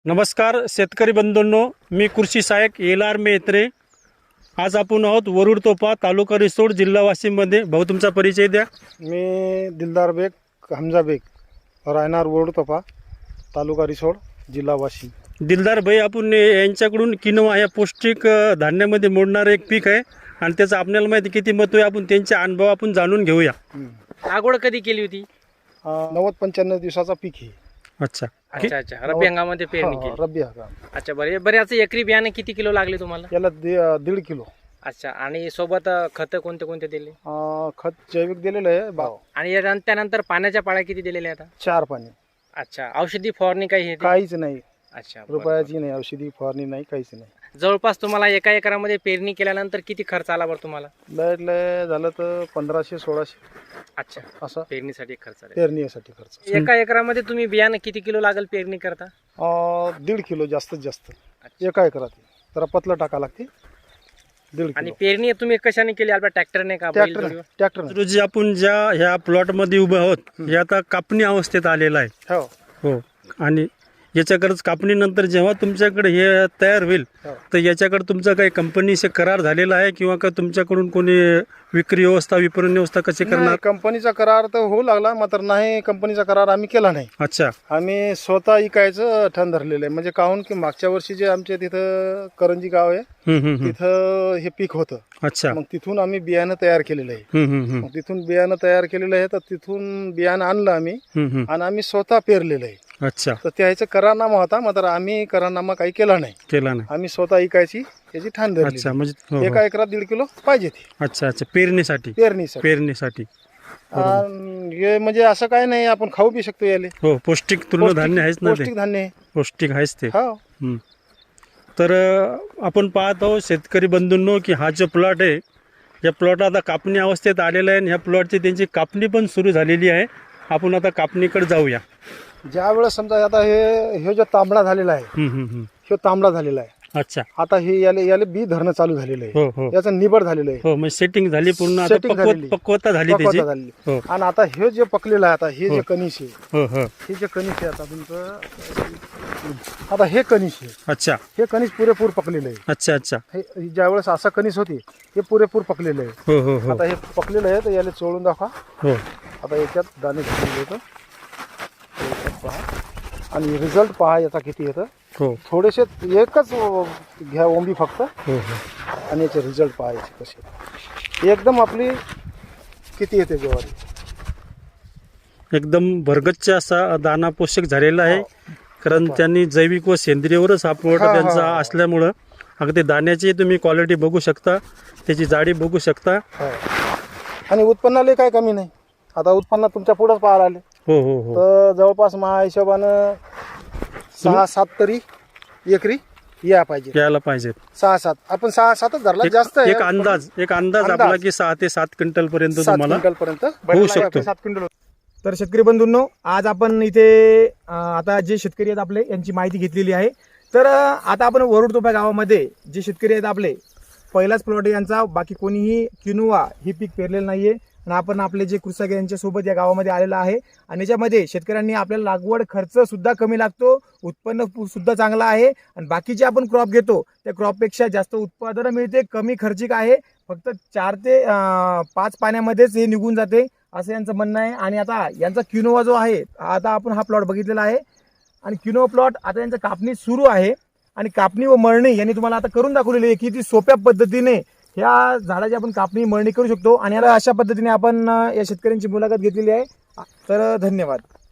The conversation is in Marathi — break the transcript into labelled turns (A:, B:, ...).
A: नमस्कार शेतकरी बंधूंनो, मी कृषी सहाय्यक एल.आर. मेत्रे. आज आपण आहोत वरुड तोफा, तालुका रिसोड, जिल्हा वाशिममध्ये. भाऊ, तुमचा परिचय द्या.
B: मी दिलदार बेग हमजा बेग, राहणार वरुड तोफा, तालुका रिसोड, जिल्हा वाशिम.
A: दिलदार भाई, आपण यांच्याकडून किनोवा या पौष्टिक धान्यामध्ये मोडणारं एक पीक आहे आणि त्याचं आपल्याला माहिती किती महत्त्व आहे. आपण त्यांचे अनुभव आपण जाणून घेऊया.
C: लागवड कधी केली होती?
B: 90-95 दिवसाचा पीक आहे.
A: अच्छा
C: अच्छा अच्छा, रब्बी हंगामामध्ये पेरणी केली.
B: रब्बी हंगाम.
C: अच्छा, बऱ्याच एकरी बियाणे किती किलो लागले तुम्हाला?
B: याला 1.5 किलो.
C: अच्छा, आणि सोबत खत कोणते कोणते दिले?
B: खत जैविक दिलेलं आहे भाव.
C: आणि त्यानंतर पाण्याच्या पाळ्या किती दिलेल्या आता?
B: 4 पाणी.
C: अच्छा, औषधी फवारणी काही आहे?
B: काहीच नाही.
C: अच्छा,
B: रुपयाची नाही, औषधी फवारणी नाही, काहीच नाही.
C: जवळपास तुम्हाला एका एकरामध्ये पेरणी केल्यानंतर किती खर्च आला बरं तुम्हाला?
B: लय झालं तर 1500-1600.
C: अच्छा,
B: असं
C: पेरणीसाठी खर्च आला.
B: पेरणीसाठी खर्च.
C: एका एकरामध्ये तुम्ही बियाणं किती किलो लागेल पेरणी करता?
B: 1.5 किलो जास्तीत जास्त एका एकरात. जरा पतलं टाका लागते. 1.5
C: आणि
B: किलो.
C: पेरणी तुम्ही कशाने केली? आपल्या ट्रॅक्टरने का
B: ट्रॅक्टर.
A: रोजी आपण ज्या ह्या प्लॉटमध्ये उभे आहोत, हे आता कापणी अवस्थेत आलेलं आहे.
B: हो
A: हो, आणि याच्याकडेच कापणीनंतर जेव्हा तुमच्याकडे हे तयार होईल
B: हो.
A: तर याच्याकडे तुमचा काही कंपनीशी करार झालेला आहे किंवा का तुमच्याकडून कोणी विक्री व्यवस्था, विपणन व्यवस्था कशी करणार?
B: नाही, कंपनीचा करार तर होऊ लागला, मात्र नाही, कंपनीचा करार आम्ही केला नाही.
A: अच्छा.
B: आम्ही स्वतः इकायचं ठण धरलेलं आहे. म्हणजे काहून की मागच्या वर्षी जे आमच्या तिथं करंजी गाव आहे, तिथं हे पीक होतं.
A: अच्छा.
B: मग तिथून आम्ही बियाणं तयार केलेलं आहे. मग तिथून बियाणं तयार केलेलं आहे, तर तिथून बियाणं आणलं आम्ही आणि आम्ही स्वतः पेरलेलं आहे.
A: अच्छा.
B: तर त्याचा करारनामा होता, मात्र आम्ही करारनामा काही केला नाही.
A: आम्ही
B: स्वतः इकायची याची ठाण धरली.
A: अच्छा, म्हणजे
B: एका एकरात 1.5 किलो पाहिजे ती.
A: अच्छा अच्छा, पेरणीसाठी.
B: हे म्हणजे असं काय नाही, आपण खाऊ बी शकतो याले.
A: हो, पौष्टिक तृणधान्य आहेच ना ते.
B: पौष्टिक धान्य आहे.
A: पौष्टिक आहेच ते.
B: हो.
A: तर आपण पाहत आहोत शेतकरी बंधूंनो की हा जो प्लॉट आहे, या प्लॉट आता कापणी अवस्थेत आलेला आहे आणि ह्या प्लॉटची त्यांची कापणी पण सुरू झालेली आहे. आपण आता कापणीकडे जाऊया.
B: ज्या वेळेस समजा आता हे जो तांबडा झालेला आहे, हे तांबडा झालेला आहे.
A: अच्छा.
B: आता हे याले बी धरणं चालू झालेलं
A: हो
B: आहे.
A: हो
B: याचं निबड झालेलं आहे.
A: हो, म्हणजे सेटिंग झाली पूर्ण. आता
B: Setting झालेली.
A: पक्वता झाली त्याची.
B: पक्वता झालेली.
A: हो
B: आणि आता हे जे पकलेलं आहे, आता हे जे कणीस आहे,
A: हो हो.
B: हे जे कणीस आहे आता तुमचं, आता हे कणीस आहे.
A: अच्छा.
B: हे कणीस पुरेपूर पकलेलं आहे.
A: अच्छा अच्छा.
B: हे ज्या वेळेस असं कणीस होते, हे पुरेपूर पकलेलं आहे.
A: हो हो हो
B: आता हे पकलेलं आहे, तर याला चोळून दाखवा.
A: हो.
B: आता याच्यात दाणे घातलेले होतं, पहा. आणि रिझल्ट पहा याचा किती येतं.
A: हो
B: थोडेसे एकच घ्या ओंबी फक्त,
A: हो हो.
B: आणि याचे रिझल्ट पाहायचे कसे. एकदम आपली किती येते ज्वारी.
A: एकदम भरगच्च असा दाना पोषक झालेला आहे. कारण त्यांनी जैविक व सेंद्रियवरच हा प्लॉट त्यांचा असल्यामुळं अगदी दाण्याची तुम्ही क्वालिटी बघू शकता, त्याची जाडी बघू शकता.
B: आणि उत्पन्नाला काय कमी नाही. आता उत्पन्न तुमच्या पुढंच पाहायला आले.
A: हो हो हो.
B: तर जवळपास माझ्या हिशोबानं 6-7 तरी एकरी यायला पाहिजे. 6-7 आपण 6-7च धरला. जास्त
A: एक अंदाज आपला की 6 ते 7 क्विंटल पर्यंत तुम्हाला
B: होऊ
A: शकतो.
B: 7 क्विंटल.
D: तर शेतकरी बंधूंनो, आज आपण इथे आता जे शेतकरी आहेत आपले यांची माहिती घेतलेली आहे. तर आता आपण वरुड तोफा गावामध्ये जे शेतकरी आहेत आपले, पहिलाच प्लॉट यांचा, बाकी कोणीही किनोवा ही पीक पेरलेलं नाहीये. आणि आपण आपले जे कृषक यांच्या सोबत या गावामध्ये आलेला आहे. आणि याच्यामध्ये शेतकऱ्यांनी आपल्याला लागवड खर्च सुद्धा कमी लागतो, उत्पन्न सुद्धा चांगला आहे. आणि बाकीचे आपण क्रॉप घेतो त्या क्रॉपपेक्षा जास्त उत्पादन मिळते, कमी खर्चिक आहे. फक्त 4 ते 5 पाण्यामध्येच हे निघून जाते, असं यांचं म्हणणं आहे. आणि आता यांचा किनोवा जो आहे, आता आपण हा प्लॉट बघितलेला आहे. आणि किनोवा प्लॉट आता यांचं कापणी सुरू आहे. आणि कापणी व मळणी यांनी तुम्हाला आता करून दाखवलेली आहे, किती सोप्या पद्धतीने ह्या झाडाची आपण कापणी मळणी करू शकतो. आणि याला अशा पद्धतीने आपण या शेतकऱ्यांची मुलाखत घेतलेली आहे. तर धन्यवाद.